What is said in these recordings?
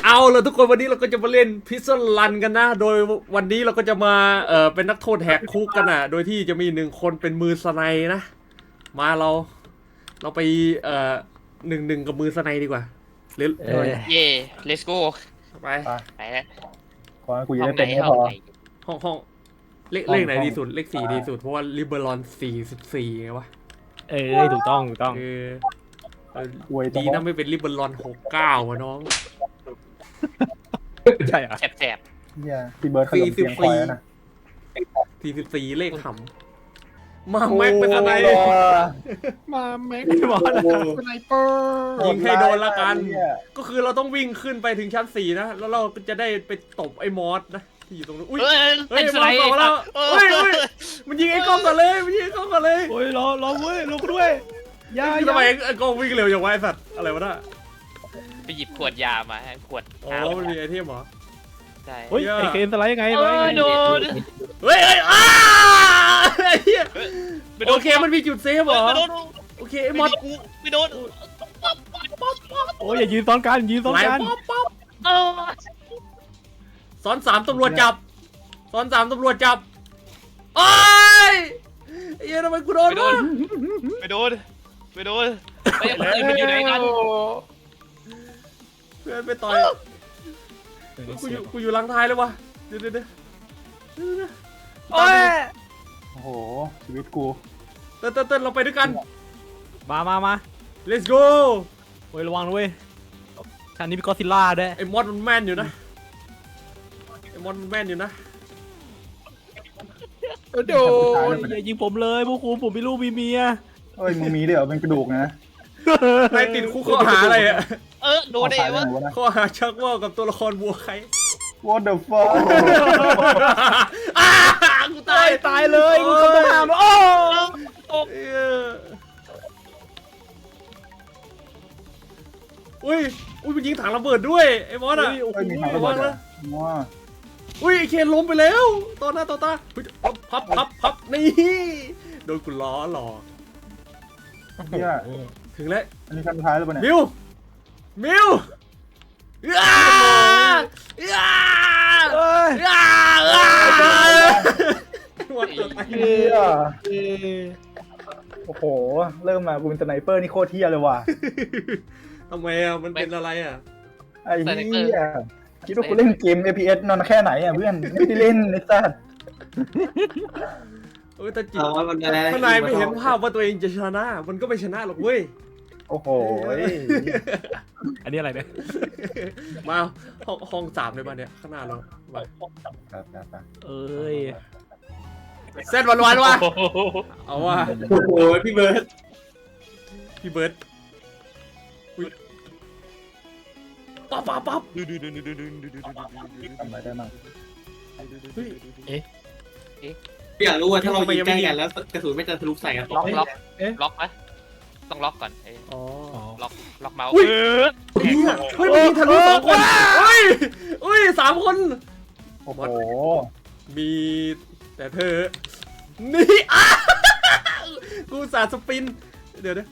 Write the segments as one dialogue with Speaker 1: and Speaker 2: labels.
Speaker 1: เอาละทุกคนวันนี้เราก็จะมาเล่นพิซซ่ารันกันนะโดยวันนี้เราก็จะมาเป็นนักโทษแหกคุกกันนะโดยที่จะมี1 คนเป็นมือสไนนะมาเราไป1-1กับมือสไนดีกว่าเล่น
Speaker 2: เย่ let's go
Speaker 1: ไป
Speaker 2: ไปแล้ว
Speaker 3: ขอให้กูจะ
Speaker 2: ห้อ
Speaker 3: ได้
Speaker 2: งไหน
Speaker 3: เป็นไม่
Speaker 2: ห้
Speaker 3: พ
Speaker 2: อง
Speaker 3: อ
Speaker 2: ไหน
Speaker 1: ห้องเลขไหนดีสุดเลข4ดีสุดเพราะว่าลิเบอรอน44ไงวะ
Speaker 4: ถูกต้อง
Speaker 1: ดีนะไม่เป็นลิเบอรอน69วะน้อง
Speaker 4: ใช่เหรอ
Speaker 2: แสบ
Speaker 3: เฮียพี่เบิร์ดขยมเตียงคอยแล้วนะ
Speaker 1: 44เลขขำมาแม็กเป็นสไน
Speaker 4: มาแม็ก
Speaker 3: โอ้โห
Speaker 4: สไนเปอร์
Speaker 1: ยิงให้โดนละกัน
Speaker 3: เหี้ย
Speaker 1: ก็คือเราต้องวิ่งขึ้นไปถึงชั้น4นะแล้วเราก็จะได้ไปตบไอ้มอสนะที่อยู่ตรงนู้นอุ้ย
Speaker 2: เฮ้ย
Speaker 1: เฮ้ย
Speaker 2: เป็นสไลด์
Speaker 1: มอสบอกแล้วเฮ้ยมันยิงไอ้กล้องก่อนเลยมันยิงไอ้กล้องก่อนเลย
Speaker 4: โอ้ยรอเว้ยรอกูด้วยยา
Speaker 1: ทำไมไอ้กล้องวิ่งเร็วอย่างวะไอ้สัตว์อะไรวะน่ะ
Speaker 2: ไปหยิบขวดยามาขวด
Speaker 1: อ๋อมันมีไอเทมเหรอ
Speaker 2: ใช่
Speaker 4: เฮ้ยไอเคนสไลด์ยังไง
Speaker 2: โดน
Speaker 1: เฮ้ยอ้าไอ้เหี้ยโอเคมันมีจุดเซฟเหรอ
Speaker 2: ไม่โดน
Speaker 1: โอเคไอ้มอส
Speaker 2: ไม่โดน
Speaker 4: โอ้ยอย่ายืนซ้อนกัน
Speaker 1: ไหล
Speaker 4: กัน
Speaker 1: ป๊อป
Speaker 2: เออ
Speaker 1: ซ้อน3ตำรวจจับซ้อน3ตำรวจจับโอ้ยไอ้เหี้ยทำไมกูโดน
Speaker 2: ไม่โดนไอ้คนอื่นมันอยู่ไหนกัน
Speaker 1: เพื่อนไปต่อยกูอยู่หลังท้ายเลยวะเดี๋ยว
Speaker 4: โอ้ย
Speaker 3: โอ้โหชีวิตกู
Speaker 1: เต้นเราไปด้วยกัน
Speaker 4: มา
Speaker 1: let's go
Speaker 4: โอ้ยระวังด้วยชั้นนี้มีก็อดซิลล่าด้วย
Speaker 1: ไอ้มอสมันแม่นอยู่นะไอ้มอสมันแม่นอยู่นะ
Speaker 4: โดนอย่ายิงผมเลยพวกคุณผมมีลูกมีเมีย
Speaker 3: เอ้ยมึงมีด้วยเหรอเป็นกระดูกนะ
Speaker 1: นายติดคุกข้อหาอะไรอะ
Speaker 2: โดนได้
Speaker 3: เอา
Speaker 2: วะ
Speaker 3: ตายไปหมดวะ
Speaker 1: ข้อหาชักว่าวกับตัวละครบัวใคร
Speaker 3: What the fuck
Speaker 1: กู
Speaker 4: ตายเลยมึงก็ต้องห้ามโอ้
Speaker 1: อุ้ยมันยิงถังระเบิดด้วยไอ้มอสอะ
Speaker 3: เอ้ยมีทางระเบิดเหรอว้า
Speaker 1: อุ้ยไอ้เคนล้มไปแล้วต่อหน้าต่อตาพับนี่โดนกูล้อหลอก
Speaker 3: เฮีย
Speaker 1: ถึงแล้ว
Speaker 3: อันนี้ครั้งสุดท้ายแล้วปะเนี่ย
Speaker 1: มิว
Speaker 4: เอ้ย
Speaker 3: เฮียโอ้โหเริ่มมากูเป็นสไนเปอร์นี่โคตรเฮียเลยว่ะ
Speaker 1: ทำไมอ่ะมันเป็นอะไรอ่ะ
Speaker 3: ไอ้เฮียคิดว่ากูเล่นเกม FPS นอนแค่ไหนอ่ะเพื่อนไม่ได้เล่นไอ้สัส
Speaker 1: เออแต่จิตถ้านายไม่เห็นภาพว่าตัวเองจะชนะมันก็ไม่ชนะหรอกเว้ย
Speaker 3: โอ้โห
Speaker 4: อันนี้อะไรเนี่ย
Speaker 1: มาห้อง3เลยป่ะเนี่ยข้างหน้าเรามา
Speaker 3: ครับ
Speaker 4: เอ้ย
Speaker 1: เส้นวันๆว่ะเอาว่ะ
Speaker 5: โอ้โหพี่เบิร์ด
Speaker 1: พี่เบิร์ดปั๊บ
Speaker 3: ทำอะไรได้บ้าง
Speaker 1: เฮ้ย
Speaker 5: พี่อยากรู้ว่าถ้าเรายิงใกล้กันแล้วกระสุนไม่จะทะลุใส่กัน
Speaker 2: ล็อกไหมต้องล็อกก่อน
Speaker 1: อ๋อ
Speaker 2: ล็อกเมาส์
Speaker 1: เฮ้ยมันยิงทะลุ2 คนเฮ้ย3 คน
Speaker 3: โอ้โห
Speaker 1: มีแต่เธอ นี่กูสาดสปิน เดี๋ยว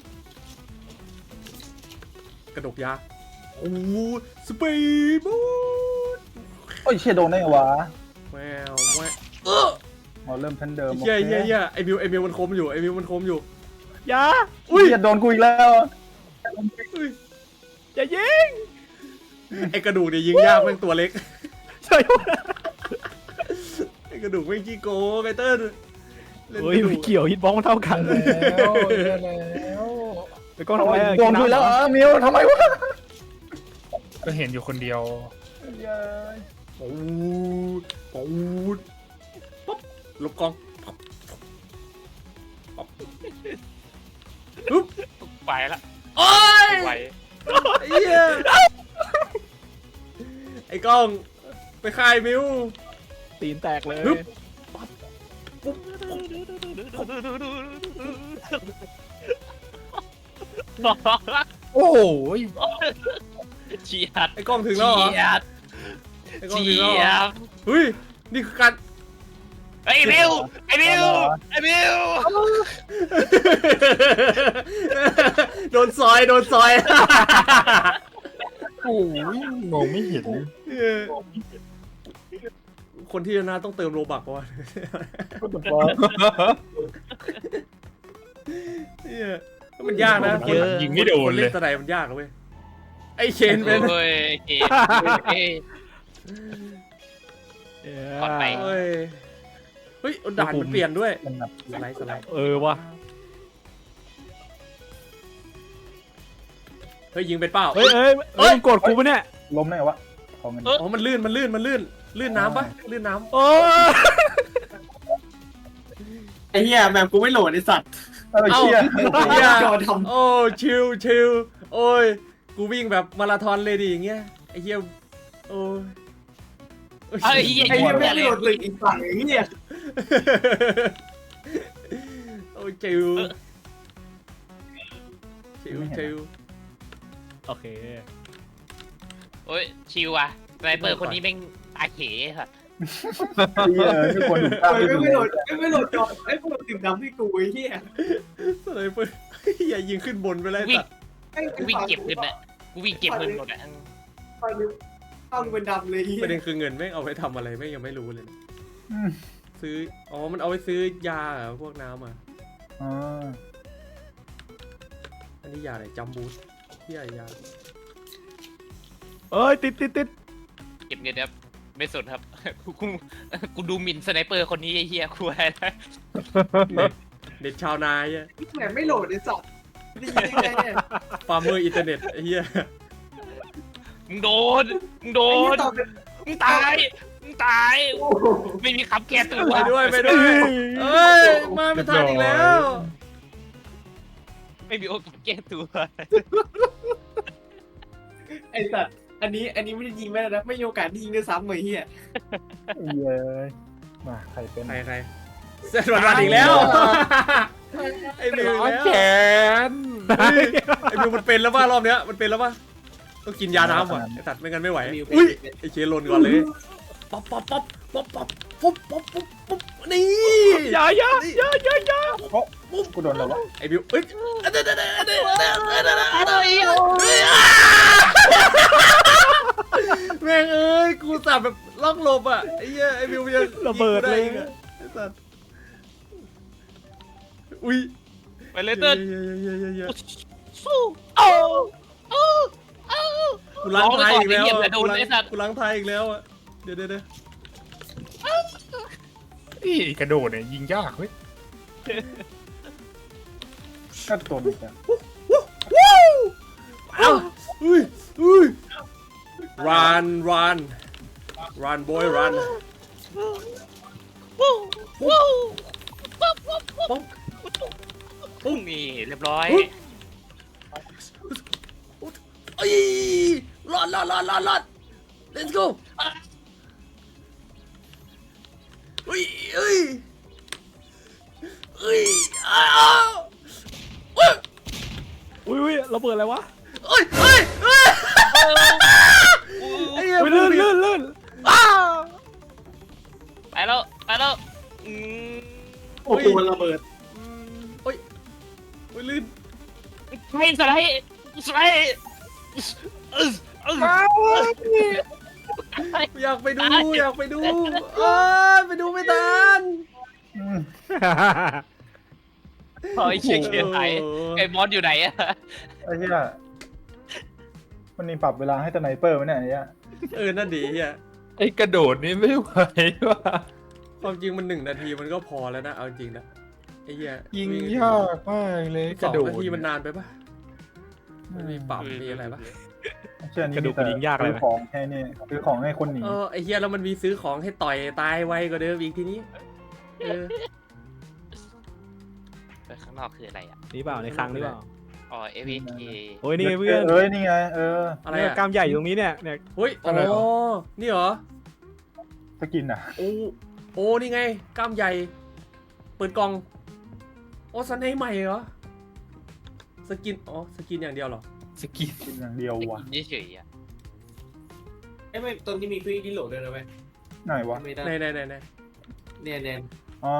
Speaker 1: กระดกยาโอ้สปีดบูท
Speaker 3: โอ้ยเชี่ยโดนได้ไงวะ
Speaker 1: แวว
Speaker 3: เราเริ่มชั้นเดิม
Speaker 1: เย่ไอมิวมันคมอยู่
Speaker 4: อย่า
Speaker 3: อุ้ยโดนกูอีกแล้ว
Speaker 4: อย่ายิง
Speaker 1: ไอกระดูกเนี่ยยิงยากแม่งตัวเล็ก
Speaker 4: ใช่
Speaker 1: ไอกระดูกแม่งขี้โกงไอเติ้ล
Speaker 4: เฮ้ยไม่เกี่ยวฮิตบอลมันเท่ากัน
Speaker 3: แล้ว
Speaker 4: ไปกล้องทำไม
Speaker 3: โดนกูแล้วมิวทำไมวะ
Speaker 6: ก็เห็นอยู่คนเดียว
Speaker 1: ปูดป๊บลบกองปึ๊บ
Speaker 2: ไปละ
Speaker 1: โอ้ย
Speaker 2: ไป
Speaker 1: ไอ้เหี้ยไอ้กล้องไปค่ายมิว
Speaker 4: ตีนแตกเลย
Speaker 6: โอ้โห
Speaker 2: เฉียด
Speaker 1: ไอ้กล้องถึงแล้วเหรอไอ้กล้องถึงแล้วเหรอเฮ้ยนี่คือการ
Speaker 2: ไอ้บิว
Speaker 1: โดนซอย
Speaker 6: โอ้ยมองไม่เห็น
Speaker 1: เออคนที่ชนะต้องเติมโลบักวะ
Speaker 3: ก็ตบอล
Speaker 1: เนี่ยมันยากนะ
Speaker 6: เยอะยิงไม่โดน
Speaker 1: คน
Speaker 6: เล
Speaker 1: เล่
Speaker 6: ย
Speaker 1: นสไนมันยากนะเว้ยไอเคนเป็น
Speaker 2: โอ้ยเฮ้ย ก่อนไป
Speaker 1: เฮ้ยเฮ้ยด่านมันเปลี่ยนด้วย
Speaker 3: มันแบบ
Speaker 1: สไลด์สไลด์
Speaker 4: ว่ะ
Speaker 1: เฮ้ยยิงเป็นเป้า
Speaker 4: เฮ้ยมึงกดกูปะเนี่ย
Speaker 3: ล้มได้ไงวะของมัน
Speaker 1: อ๋อมันลื่นลื่นน้ำปะลื่นน้ำ
Speaker 4: โอ้
Speaker 5: ไอ้เหี้ยแบบกูไม่โหลดไอ้สัตว์
Speaker 3: เชี่ย
Speaker 1: เหี้ย
Speaker 5: จอท
Speaker 1: โอ้ชิลโอ้ยกูวิ่งแบบมาราธอนเลยดิอย่างเงี้ยไอ้เหี้ยโอ้ย
Speaker 2: ไอ้เหี้ย
Speaker 5: ำไอ้เหี้ยไม่โหลดตึกอีกฝั่งไอ้เหี้ย
Speaker 1: โอ้ยชิลชิล
Speaker 4: โอเค
Speaker 2: โอ้ยชิวอ่ะสไนเปอร์คนนี้แม่งตาเขค่ะ
Speaker 3: เชี่ยไม่ควรถูกตั้ง
Speaker 5: ไม่โหลดจอไอ้พวกตึกดำที่กูไอ้เหี้ย
Speaker 1: สไนเปอร์อย่ายิงขึ้นบนไปเลยสัตว์
Speaker 2: กูวิ่งเก็บเงินอ่ะกูวิ่งเก็บเงินหมดอ่ะ
Speaker 5: ต้องเป็นดำเลยเหี้ย
Speaker 1: ประเด็นคือเงินแม่งเอาไปทำอะไรแม่งยังไม่รู้เลยนะซื้ออ๋อมันเอาไปซื้อยาเหรอพวกน้ำอ่ะ
Speaker 3: อ๋อ
Speaker 1: อันนี้ยาอะไรจัมบูสที่ยา
Speaker 4: เอ้ยติด
Speaker 2: เก็บเงินครับไม่สนครับกูดูหมิ่นสไนเปอร์คนนี้ไอ้เหี้ยกูอะไรนะ
Speaker 1: เด็ดชาวนายอะ
Speaker 5: แหมไม่โหลดไอ้สัตว์นี่ยังไงเนี่ย
Speaker 1: ฟาร์มเมอร์อินเทอร์เน็ตไอ้เหี้ย
Speaker 2: มึงโดนมึงตายไม่มีคำแก้ตัว
Speaker 1: ไปด้วยเอ้ยมาไม่ทันอีกแล้ว
Speaker 2: ไม่มีโอกาสแก้ตัว
Speaker 5: ไอ้สัตว์อันนี้ไม่ได้ยิงแม่นะไม่มีโอกาสได้ยิงด้วยซ้ำเลยเฮีย
Speaker 3: เย้ยมาใครเป็น
Speaker 1: ใครเซนวันอีกแล้วไอ้บิวแล้ว
Speaker 6: แขน
Speaker 1: ไอ้บิวมันเป็นแล้วป่ะรอบเนี้ยมันเป็นแล้วป่ะต้องกินยาน้ำว่ะไอ้ตัดไม่งั้นไม่ไหวอุ้ยไอ้เคลนก่อนเลยป๊อปนี่
Speaker 4: อย่า
Speaker 3: กูโดนแล้ววะ
Speaker 1: ไอ้บิวเอ้ยแม่งเอ้ยกูสับแบบล็อกหลบอ่ะไอ้เหี้ยไอ้บิวยัง
Speaker 4: ระเบิดเลย
Speaker 1: ไอ้สัตว์อุ้ย
Speaker 2: ไปเลยเติ้ล
Speaker 1: เย
Speaker 2: สู้เอา
Speaker 1: กูล้างไทยอีกแล้ว
Speaker 2: ร้องไปก่อนไอ้เหี้ยแต่โดนไอ้สัตว์
Speaker 1: กูล้างไทยอีกแล้วอ่ะเดี๋ยว
Speaker 6: นี่กระโดดเนี่ยยิงยากเว้ย
Speaker 3: ก็โดนอีกอ่ะ
Speaker 1: เอ้าอุ้ย run boy run
Speaker 2: ปุ้งนี่เรียบร้อย
Speaker 1: เอ้ยรอด let's go อุ้ย
Speaker 4: อุ้ยระเบิดอะไรวะ
Speaker 1: ไอ้เหี้ย
Speaker 4: ลื่น
Speaker 2: ไปแล้ว
Speaker 5: โอ้โหมันระเบิด
Speaker 1: โอ้ยลื่น
Speaker 2: ให้สไลด์
Speaker 1: อยากไปดูไปดูไม่ทัน
Speaker 2: เฮ้ยเชียร์ไหนไอ้บอสอยู่ไหนอะ
Speaker 3: ไอ้เหี้ยมันมีปรับเวลาให้สไนเปอร์ไหมเนี่ยไอ้เหี้ย
Speaker 1: นั่นดีเฮีย
Speaker 6: ไอ้กระโดดนี่ไม่ไหวว่ะ
Speaker 1: ความจริงมัน1 นาทีมันก็พอแล้วนะเอาจริงนะไอ้เหี้ย
Speaker 6: ยิงยากมากเลยก
Speaker 1: 2
Speaker 6: ระโดด
Speaker 1: นาทีมันนานไปปะมันมีปรับมีอะไรปะ
Speaker 3: เชื่อนี่
Speaker 4: กระดูกมันยิงยากเลย
Speaker 3: ซื้อของให้นี่ซื้อของให้คนหนี
Speaker 1: ไอ้เหี้ยแล้วมันมีซื้อของให้ต่อยตายไวกว่าเดิมอีกทีนี้
Speaker 2: ข้างนอกคืออะไรอ่ะ
Speaker 4: นี่เปล่าในคลังนี่เปล่า
Speaker 2: อ๋อ FK
Speaker 4: โอ้ยนี่ไงเพื่อน
Speaker 3: นี่ไง
Speaker 1: อะไร
Speaker 4: เนี่ย
Speaker 1: อะ
Speaker 4: กล้ามใหญ่อยู่ตรงนี้เนี่ย
Speaker 1: เฮ้ยอ๋อนี่เหรอ
Speaker 3: สกินอ่ะ
Speaker 1: โอ้นี่ไงกล้ามใหญ่เปิดกล่องโอ้สไนใหม่เหรอสกินสกินอย่างเดียวเหรอ
Speaker 6: สกิน
Speaker 3: กินอย่างเดียวว่ะ
Speaker 2: เฉยๆอ่ะ
Speaker 5: ไอ้ไม่ตอนนี้มีคุยที่โหลดด้วยนะเว้ย
Speaker 3: ไหนวะ
Speaker 5: ไม่ได้
Speaker 1: ไหน
Speaker 5: เนี่ย
Speaker 3: อ๋อ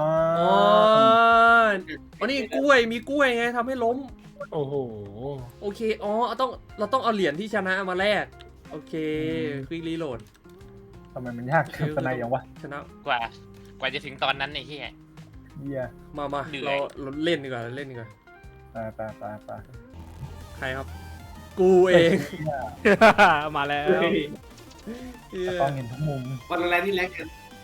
Speaker 1: อ๋อนี่กล้วยมีกล้วยไงทำให้ล้ม
Speaker 6: โอ้โห
Speaker 1: โอเคเราต้องเอาเหรียญที่ชนะมาแลกโอเคควิกรีโหลด
Speaker 3: ทำไมมันยากกับสไนอย่างวะ
Speaker 1: ชนะ
Speaker 2: กว่าจะถึงตอนนั้นไอ้เหี้ย
Speaker 3: เหี้ย
Speaker 1: มา
Speaker 2: เหนื่อย
Speaker 1: เราเล่นดีกว่าเล่นดีกว่า
Speaker 3: ไป
Speaker 1: ใครครับ กูเอง
Speaker 4: มาแล้ว
Speaker 1: เหี้ย
Speaker 3: ต้องเห็นทุกมุม
Speaker 5: วันอะไรที่แรกกัน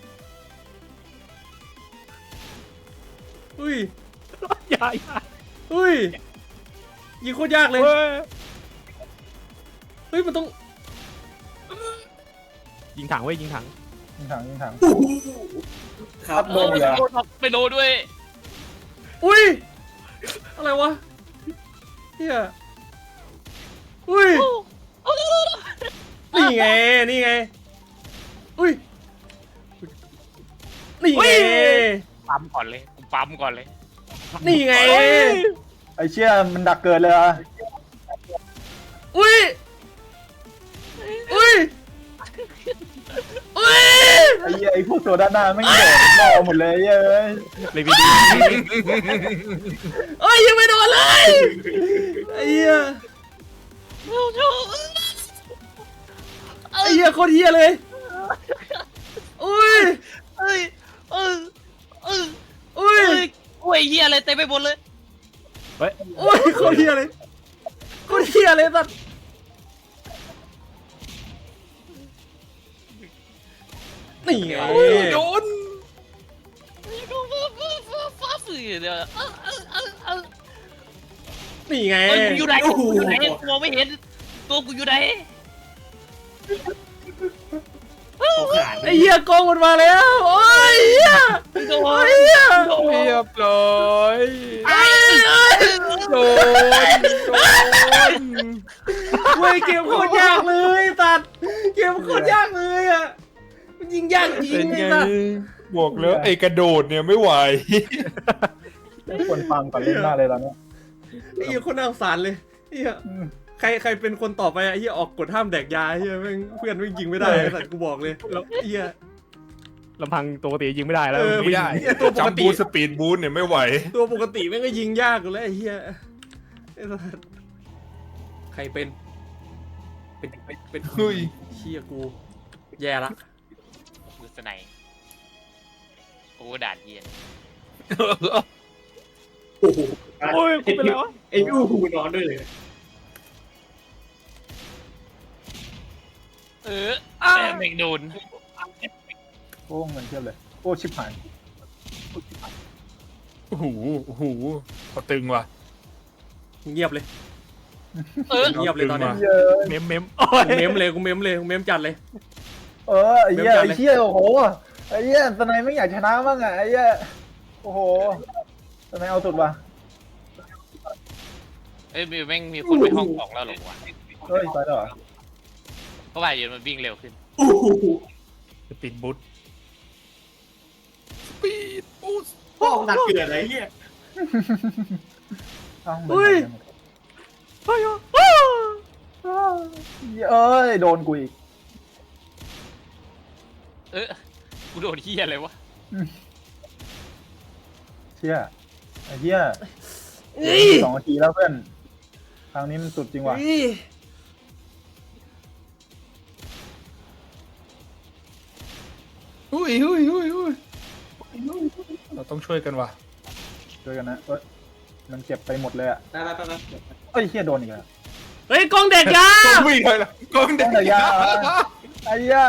Speaker 1: อุ้ย
Speaker 4: อย่า
Speaker 1: อุ้ยยิงโคตรยากเลย
Speaker 4: เฮ้ย
Speaker 1: เฮ้ยมันต้อง
Speaker 4: ยิงถังเว้ยยิงถัง
Speaker 3: ยิงถัง
Speaker 5: ครับ
Speaker 3: โดนเหรอ
Speaker 2: ไปโดนด้วย
Speaker 1: อุ้ยอะไรวะเฮียอุ้ยนี่ไงนี่ไงอุ้ยนี่ไง
Speaker 2: ปั๊มก่อนเลยกูปั๊มก่อนเลย
Speaker 1: นี่ไง
Speaker 3: ไอ้เชี่ยมันดักเกิดเลยอ่ะ
Speaker 1: อุ้ยอุ้ยอุ้ย
Speaker 3: ไอ้เหี้ยไอ้พวกตัวด้านหน้าไม่งโดดล่อหมดเลยเย้ย
Speaker 4: เลยวีดี
Speaker 1: เอ้ยยังไม่โดนเลยไอ้เหี้ยไอ้เหี้ยโคตรเหี้ยเลยอุ้ย
Speaker 2: เอ้ยเออ
Speaker 1: อุ้ย
Speaker 2: โอ้ยเหี้ยอะไรเต็มไปหมดเลย
Speaker 1: อุ้ยโคตรเหี้ยเลยโคตรเหี้ยเลยสัสนี่ไง
Speaker 6: โดน
Speaker 2: ฟ้าฝืนเดี๋ยว
Speaker 1: นี่ไง
Speaker 2: เอ้ยกูอยู่ไหนกูอยู่ไหนกูมองไม่เห็นตัวกูอยู่ไหน
Speaker 5: เขาขาด
Speaker 1: ไอ้เหี้ยกองมันมาแล้วโอ้ยเหี้ย
Speaker 2: โด
Speaker 1: โอ้
Speaker 2: น
Speaker 1: ยเหี้ย
Speaker 6: เรียบร้อย
Speaker 1: ไอ้เอ้ย
Speaker 6: โดน
Speaker 1: เว้ยเกมโคตรยากเลยสัตว์เกมโคตรยากเลยอ่ะมันยิงยากจริ
Speaker 6: เป็
Speaker 1: ง
Speaker 6: น
Speaker 1: ไอ้
Speaker 6: ไง
Speaker 1: สัตว์
Speaker 6: บอกแล้วไอ้กระโดดเนี่ยไม่ไหว
Speaker 3: ไม่ควรฟังก่อนเล่นหน้าเลยตอนเนี้ย
Speaker 1: ไอ้เหี้ยคนน่าสงสารเลยไอ้เหี้ยใครเป็นคนต่อไปไอ้เหี้ยออกกฎห้ามแดกยาไอ้เหี้ยแม่งเพื่อนไม่งยิงไม่ได้ไอ้สัตว์กูบอกเลยแล้วไอ้เหี้ย
Speaker 4: ลำพังตัวปกติยิงไม่ได้แล้ว
Speaker 6: ไม่ได้
Speaker 1: ตัวปกติ
Speaker 6: จัมบูสปีดบูทเนี่ยไม่ไหว
Speaker 1: ตัวปกติแม่งก็ยิงยากอยู่แล้วไอ้เหี้ยไอ้สัตว์ใครเป็น
Speaker 6: เฮ้ย
Speaker 1: เหี้ยกูแย่ละ
Speaker 2: มือสไนโอ้ด่านเย็น
Speaker 5: โอ้โห
Speaker 4: โอ้ยกูเป็นแล้วะ
Speaker 5: ไอ้ยูหูนอนด้วยเลย
Speaker 2: แต่ไม่โดน
Speaker 3: โอ้เงินเทียบเลยโอ้ชิบหาย
Speaker 6: โอ้โหโอ้โหพอตึงว่ะ
Speaker 1: เงียบเลย
Speaker 2: เ
Speaker 1: เงียบเลยตอนเนี้ย
Speaker 3: เยอะ
Speaker 4: เมม
Speaker 1: กูเมมเลยกูเมมเลยกูเมมจัดเลย
Speaker 3: ไอ้เหี้ยไอ้เหี้ยโอ้โหไอ้เหี้ยสไนไม่อยากชนะบ้างอ่ะไอ้เหี้ยโอ้โหสไนเอาสุดว่ะ
Speaker 2: อ้ยแม่งมีคนไปห้องของแล้วหรอวะ
Speaker 3: เฮ้ยไปแล้วเหรอ
Speaker 2: เพราะว่าเดี๋ยวมันวิ่งเร็วขึ้น
Speaker 5: โอ้โห
Speaker 6: สปีดบูทสปีดบูท
Speaker 5: พ่อหนักเกิดอะไรเงี้ย
Speaker 3: เอ้า
Speaker 1: เฮ้ย
Speaker 3: เอ้ยโดนกูอีก
Speaker 2: กูโดนเหี้ยอะไรวะ
Speaker 3: เชี่ยไอ้เหี้ย
Speaker 1: เฮ้ย
Speaker 3: 2 นาทีแล้วเพื่อนทางนี้มันสุดจริงว่ะ
Speaker 1: เฮ้ย
Speaker 6: อุ้ยอุ้ยอุ้ยอุ้ยเราต้องช่วยกันว่ะ
Speaker 3: ช่วยกันนะเอ้ยมันเจ็บไปหมดเลยอ่ะ
Speaker 5: ไปไปไป
Speaker 3: เอ้ยเหี้ยโดนอีกแล้ว
Speaker 1: เฮ้ยกองเด็กยา
Speaker 6: ต้องวิ่งเลยล่ะกองเด็
Speaker 3: ต้องแต่ยาไอ้เหี้ย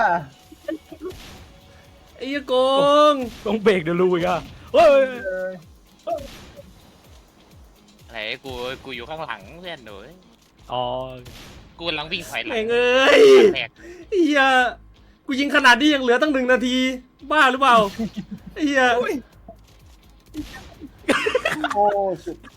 Speaker 1: ไอ้เหี้ยโกง
Speaker 4: ต้องเบรกเดี๋ยวรู้อีกอ่ะเฮ้ย
Speaker 3: เอ้ย
Speaker 2: อะไรกูอยู่ข้างหลังเพื่อนหนู
Speaker 4: อ๋อ
Speaker 2: กูกำลังวิ่งถอยหลั
Speaker 1: แม่
Speaker 2: ง
Speaker 1: งเอ้ย
Speaker 2: แตก
Speaker 1: ไอ้เหี้ยกูยิงขนาดนี้ยังเหลือตั้ง1 นาที บ้าหรือเปล่าไอ้เหี้ย
Speaker 3: โอ้สุด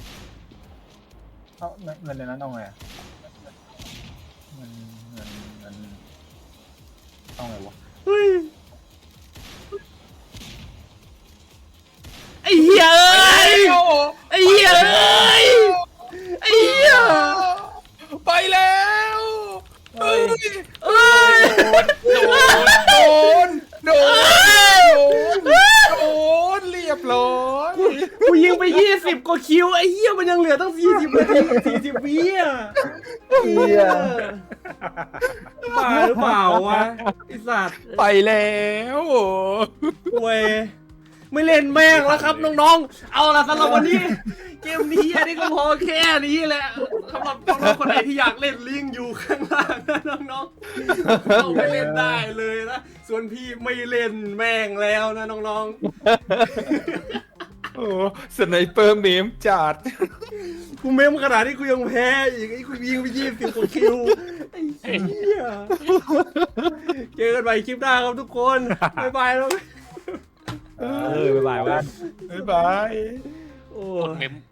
Speaker 3: เอาเงินในนั้นเอาไงอะเงินเอาไงวะ
Speaker 1: เฮ้ยไอ้เหี้ยเอ้ยไอ้เหี้ยเอ้ยไอ้เหี้ย
Speaker 6: ไปแล้วเฮ้ย
Speaker 1: เอ้ย
Speaker 6: โดนโดนเรียบร้อย
Speaker 1: กูยิงไป20 กว่าคิวไอ้เหี้ยมันยังเหลือตั้ง40 นาที40 วิอ่ะ
Speaker 3: เหี้ย
Speaker 1: บ้าหรือเปล่าวะไอสัตว์
Speaker 6: ไปแล้ว
Speaker 1: เว้ยไม่เล่นแม่งแล้วครับน้องๆ เอาละสำหรับวันนี้ เกมนี้อันนี้ก็พอแค่นี้แหละสำหรับน้องๆคนไหนที่อยากเล่นลิงก์อยู่ข้างล่างนะน้องๆเข้าไปเล่นได้เลยนะ ส่วนพี่ไม่เล่นแม่งแล้วนะน้อง
Speaker 6: โอ้สไนเปอร์เมมจัด
Speaker 1: ๆ กูเมมขนาดนี้กูยังแพ้อีกไอ้กูยิงไป20 กว่าคิวไอ้เหี้ยเจอกันใหม่คลิปหน้าครับทุกคนบ๊ายบายแล้ว
Speaker 4: บ๊ายบายเว้ย
Speaker 6: บ๊ายบาย
Speaker 1: โอ้
Speaker 2: กดเมม